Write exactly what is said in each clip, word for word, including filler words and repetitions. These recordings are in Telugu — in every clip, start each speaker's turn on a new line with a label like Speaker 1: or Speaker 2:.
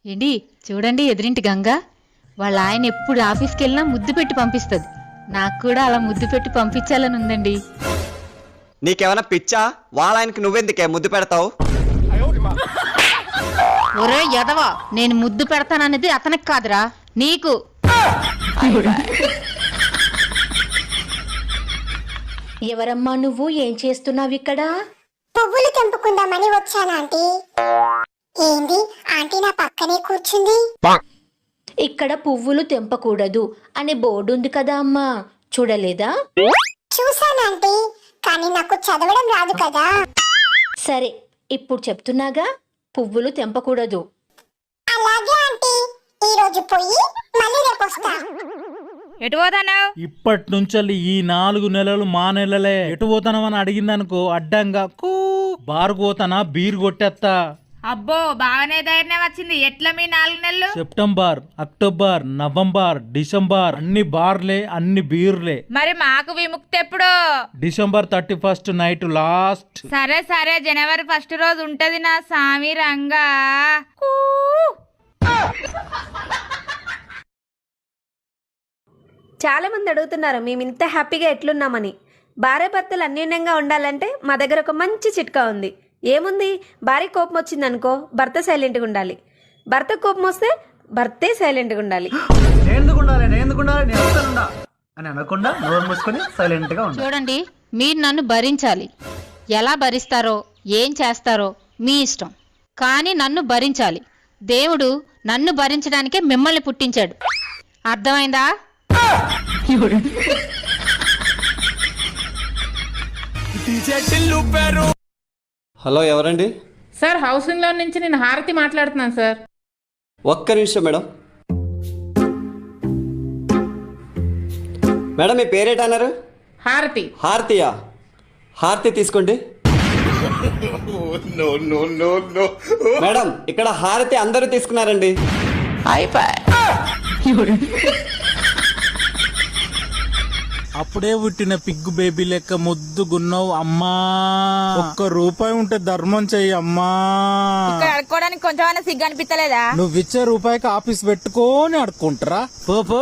Speaker 1: ఏంటి చూడండి ఎదురింటి గంగ వాళ్ళ ఆయన ఎప్పుడు ఆఫీస్కి వెళ్ళినా ముద్దు పెట్టి పంపిస్తుంది. నాకు కూడా అలా ముద్దు పెట్టి పంపించాలని ఉందండి.
Speaker 2: నీకేమైనా పిచ్చా? వాళ్ళ ఆయనకి నువ్వెందుకే ముద్దు పెడతావు?
Speaker 1: ఒరే యదవా, నేను ముద్దు పెడతాననేది అతనికి కాదురా, నీకు.
Speaker 3: ఎవరమ్మా నువ్వు? ఏం చేస్తున్నావు ఇక్కడ?
Speaker 4: పువ్వులు తెంపుకుందామని వచ్చాను ఆంటీ. ఏంది ఆంటీ నా పక్కనే కూర్చుంది?
Speaker 3: ఇక్కడ పువ్వులు తెంపకూడదు అనే బోర్డు ఉంది కదా అమ్మా, చూడలేదా?
Speaker 4: చూసాను ఆంటీ, కానీ నాకు చదవడం రాదు కదా.
Speaker 3: సరే, ఇప్పుడు చెప్తున్నాగా, పువ్వులు తెంపకూడదు.
Speaker 4: అలాగే ఆంటీ, ఈ రోజు పోయి మళ్ళీ రేపు వస్తా.
Speaker 5: ఎటు పోతానావు?
Speaker 6: ఇప్పటి నుంచి ఈ నాలుగు నెలలు మా నెలలే. ఎటు పోతానమని అడిగిందనుకో అడ్డంగా కూ బారు పోతానా బీరు కొట్టేస్తా.
Speaker 5: అబ్బో బాగానే ధైర్యం వచ్చింది. ఎట్లా మీ నాలుగు నెలలు?
Speaker 6: సెప్టెంబర్, అక్టోబర్, నవంబర్, డిసెంబర్ అన్ని బార్లే, అన్ని బీర్లే.
Speaker 5: మరి మాకు విముక్తి ఎప్పుడు?
Speaker 6: December thirty first night last.
Speaker 5: సరే సరే, జనవరి ఫస్ట్ రోజు ఉంటది నా సామి రంగా. కూ.
Speaker 7: చాలా మంది అడుగుతున్నారు మేము ఇంత హ్యాపీగా ఎట్లున్నామని. భార్య భర్తలు అన్యోన్యంగా ఉండాలంటే మా దగ్గర ఒక మంచి చిట్కా ఉంది. ఏముంది? భార్య కోపం వచ్చిందనుకో భర్త సైలెంట్గా ఉండాలి, భర్త కోపం వస్తే భర్తే సైలెంట్గా ఉండాలి.
Speaker 8: అని అనకుండా నోరు మూసుకొని సైలెంట్ గా ఉండాలి.
Speaker 1: చూడండి, మీరు నన్ను భరించాలి. ఎలా భరిస్తారో ఏం చేస్తారో మీ ఇష్టం, కానీ నన్ను భరించాలి. దేవుడు నన్ను భరించడానికే మిమ్మల్ని పుట్టించాడు. అర్థమైందా?
Speaker 2: హలో, ఎవరండి?
Speaker 9: సార్, హౌసింగ్ లోన్ నుంచి నేను హారతి మాట్లాడుతున్నాను సార్.
Speaker 2: ఒక్క నిమిషం మేడం. మేడం మీ పేరేటన్నారు?
Speaker 9: హారతి.
Speaker 2: హారతియా? హారతి తీసుకోండి. మేడం, ఇక్కడ హారతి అందరూ తీసుకున్నారండి.
Speaker 6: అప్పుడే పుట్టిన పిగ్గు బేబీ లెక్క ముద్దుగున్నావు అమ్మా. ఒక్క రూపాయి ఉంటే ధర్మం చెయ్యి అమ్మా.
Speaker 5: ఇక్కడ అడుక్కోవడానికి కొంచెమైనా సిగ్గు అనిపించలేదా?
Speaker 6: నువ్వు ఇచ్చే రూపాయికి ఆఫీస్ పెట్టుకొని అడుక్కుంటారా? పో పో.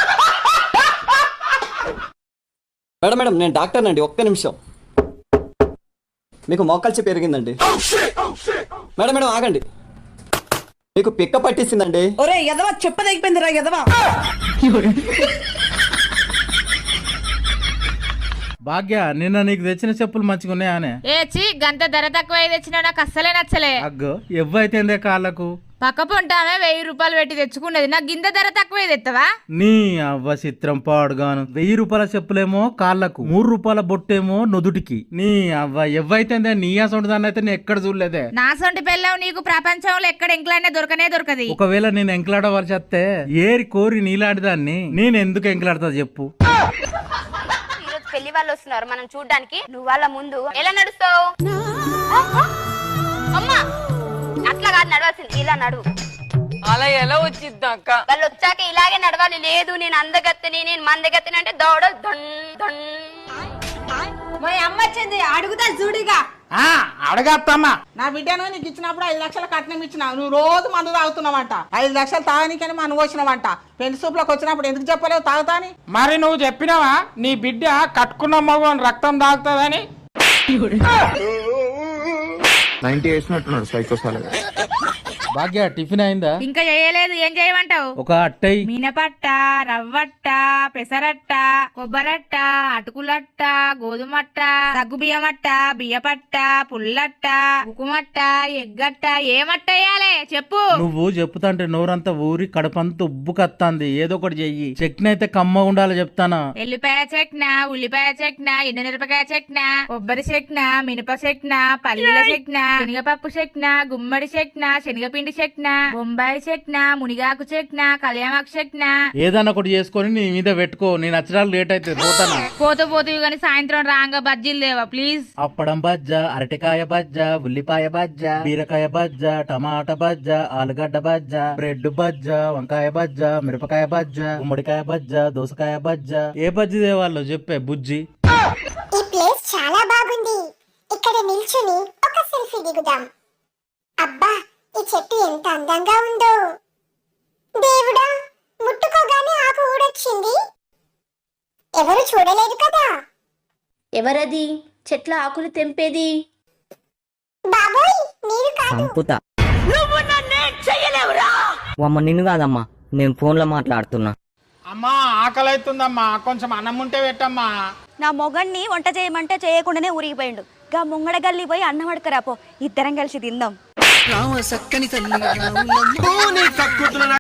Speaker 2: మేడం మేడం నేను డాక్టర్ అండి, ఒక్క నిమిషం. మీకు మోకాల్చి పెరిగిందండి. మేడం మేడం ఆగండి, మీకు పిక్క పట్టేసిందండి.
Speaker 10: ఒరే ఎదవా, చెప్పదగిపోయింది రా ఎదవా.
Speaker 6: భాగ్య, నిన్న నీకు తెచ్చిన చెప్పులు మంచిగా ఉన్నాయానే?
Speaker 5: ఏ చీ, గంత ధర తక్కువ తెచ్చినా నాకు అస్సలే నచ్చలే.
Speaker 6: అగ్గో ఎవ్వైతేందే కాళ్ళకు.
Speaker 5: పక్క పొంటామే వెయ్యి రూపాయలు పెట్టి తెచ్చుకున్నది, నాకు గింత ధర తక్కువ తెత్తవా?
Speaker 6: నీ అవ్వ చిత్రం పాడుగాను. వెయ్యి రూపాయల చెప్పులేమో కాళ్ళకు, మూడు రూపాయల బొట్టేమో నుదుటికి. నీ అవ్వ ఎవ్వైతేందే, నీ అసొంటి దాన్ని అయితే నేను ఎక్కడ చూడలేదే.
Speaker 5: నా సొంటి పెళ్ళావు నీకు ప్రపంచంలో ఎక్కడ ఎంకలాడినా దొరకనే దొరకది.
Speaker 6: ఒకవేళ నేను ఎంకలాడవలసి వస్తే ఏరి కోరి నీలాంటి దాన్ని నేను ఎందుకు ఎంకలాడతా చెప్పు?
Speaker 7: పెళ్లి వాళ్ళు వస్తున్నారు మనం చూడ్డానికి, నువ్వు వాళ్ళ ముందు ఎలా నడుస్తావు? అమ్మా, అట్లా కాదు నడవాల్సింది, ఇలా నడువు.
Speaker 10: అలా ఎలా వచ్చిద్ది అక్క?
Speaker 7: వాళ్ళు వచ్చాక ఇలాగే నడవాలి. లేదు నేను అందగత్తని, నేను మందగత్తని అంటే దౌడ దొన్ దొన్.
Speaker 10: మా అమ్మ వచ్చింది, అడుగుతా చూడిగా.
Speaker 6: అడగత్తమ్మా.
Speaker 10: నా బిడ్డను నీకు ఇచ్చినప్పుడు ఐదు లక్షల కట్నం ఇచ్చినావు, నువ్వు రోజు మందు తాగుతున్నావంట. ఐదు లక్షలు తాగనీకని మనం వచ్చినావంట. పెళ్లి సూపులకు వచ్చినప్పుడు ఎందుకు చెప్పలేవు తాగుతాని?
Speaker 9: మరి నువ్వు చెప్పినావా నీ బిడ్డ కట్టుకున్న మగవాని రక్తం తాగుతుందని?
Speaker 6: భాగ్య, టిఫిన్ అయిందా?
Speaker 5: ఇంకా చేయలేదు. ఏం చేయమంటావు?
Speaker 6: ఒక అట్టై,
Speaker 5: మినపట్ట, రవ్వట్ట, పెసరట్ట, కొబ్బరట్ట, అటుకులట్ట, గోధుమట్ట, సగ్గుబియ్యమట్ట, బియ్యపట్ట, పుల్లట్ట, ఉకుమట్ట, ఎగ్గట్ట, ఏమట్ట వేయాలి చెప్పు.
Speaker 6: నువ్వు చెప్తాంటే నోరంతా ఊరి కడపంతా ఉబ్బు కత్తాంది. ఏదో ఒకటి చెయ్యి. చట్నీ అయితే కమ్మ ఉండాలి చెప్తానా.
Speaker 5: ఎల్లిపాయ చెట్న, ఉల్లిపాయ చెట్న, ఎండుమిరపకాయ చెట్న, కొబ్బరి చెట్న, మినప చెట్న, పల్లీల చెట్న, శనగపప్పు చెట్న, గుమ్మడి చెట్న, శనగపిండి చెట్న, బొంబాయి చెట్న, మునిగాకు చెట్న, కళ్యామాకు చెట్న.
Speaker 6: ఏదన్నా ఒకటి చేసుకొని నీ మీద పెట్టుకో. నేను నచ్చడానికి లేట్ అయితే పోతానా.
Speaker 5: పోతూ పోతూ కానీ సాయంత్రం రాంగా బజ్జీలు లేవా ప్లీజ్?
Speaker 6: అప్పడం బజ్జ, అరటికాయ బజ్జ, ఉల్లిపాయ బజ్జ, బీరకాయ బజ్జ, టమాటా బజ్జ, ఆలుగడ్డ బజ్జ, బ్రెడ్ బజ్జ, వంకాయ బజ్జ, మిరపకాయ బజ్జ, గుమ్మడికాయ బజ్జ, దోసకాయ బజ్జ. ఏ బజ్జి దేవాళ్ళు చెప్పే బుజ్జి.
Speaker 4: ఈ ప్లేస్ చాలా బాగుంది, ఇక్కడ నిల్చుని ఒక సెల్ఫీ దిగుదాం. అబ్బా ఈ చెట్టు ఎంత అందంగా ఉందో. దేవుడా, ముట్టుకోగానే ఆకు ఊడొచ్చింది. ఎవరు చూడలేదు కదా.
Speaker 3: ఎవరది చెట్ల ఆకులు తెంపేది?
Speaker 4: బాబోయ్, మీరు కాదు.
Speaker 11: సంపుత అమ్మ నిన్ను కాదమ్మా, నేను ఫోన్లో మాట్లాడుతున్నా.
Speaker 9: అమ్మా ఆకలి అవుతుందమ్మా, కొంచెం అన్నం ఉంటే పెట్టమ్మా.
Speaker 12: నా మొగన్ని వంట చేయమంటే చేయకుండానే ఊరిగిపోయిండు. గా ముంగడ గల్లి పోయి అన్నం అడకరాపో, ఇద్దరం కలిసి తిందాం.